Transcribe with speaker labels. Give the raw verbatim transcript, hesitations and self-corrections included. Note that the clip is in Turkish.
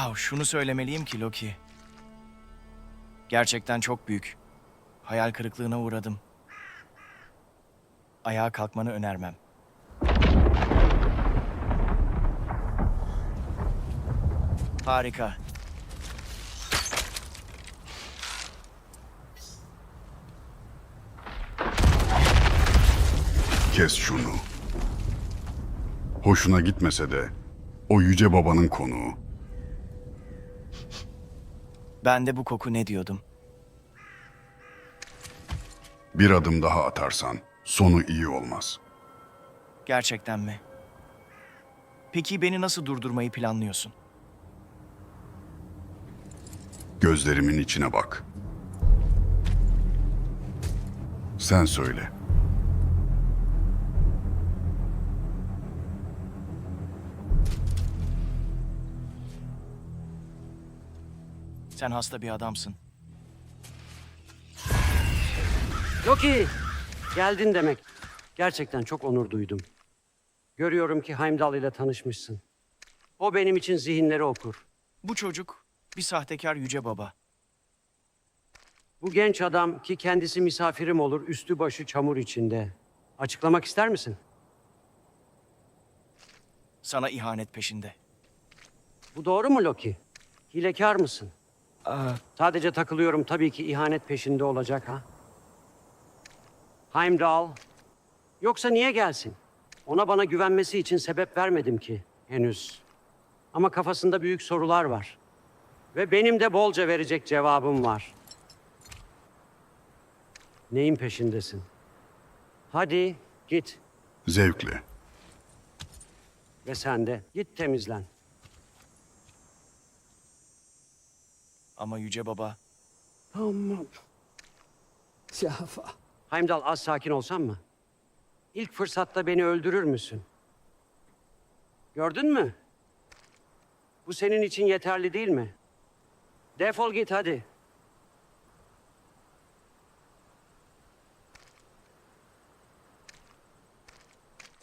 Speaker 1: Wow, şunu söylemeliyim ki Loki. Gerçekten çok büyük. Hayal kırıklığına uğradım. Ayağa kalkmanı önermem. Harika.
Speaker 2: Kes şunu. Hoşuna gitmese de o yüce babanın konuğu.
Speaker 1: Ben de bu koku ne diyordum?
Speaker 2: Bir adım daha atarsan sonu iyi olmaz.
Speaker 1: Gerçekten mi? Peki beni nasıl durdurmayı planlıyorsun?
Speaker 2: Gözlerimin içine bak. Sen söyle.
Speaker 1: Sen hasta bir adamsın.
Speaker 3: Loki! Geldin demek. Gerçekten çok onur duydum. Görüyorum ki Heimdall ile tanışmışsın. O benim için zihinleri okur.
Speaker 1: Bu çocuk bir sahtekar yüce baba.
Speaker 3: Bu genç adam ki kendisi misafirim olur, üstü başı çamur içinde. Açıklamak ister misin?
Speaker 1: Sana ihanet peşinde.
Speaker 3: Bu doğru mu Loki? Hilekar mısın?
Speaker 1: Aa,
Speaker 3: Sadece takılıyorum, tabii ki ihanet peşinde olacak ha. Heimdall. Yoksa niye gelsin? Ona bana güvenmesi için sebep vermedim ki henüz. Ama kafasında büyük sorular var. Ve benim de bolca verecek cevabım var. Neyin peşindesin? Hadi git.
Speaker 2: Zevkle.
Speaker 3: Ve sen de git temizlen.
Speaker 1: ama yüce baba.
Speaker 3: Tamam. Şafa. Heimdall, az sakin olsan mı? İlk fırsatta beni öldürür müsün? Gördün mü? Bu senin için yeterli değil mi? Defol git hadi.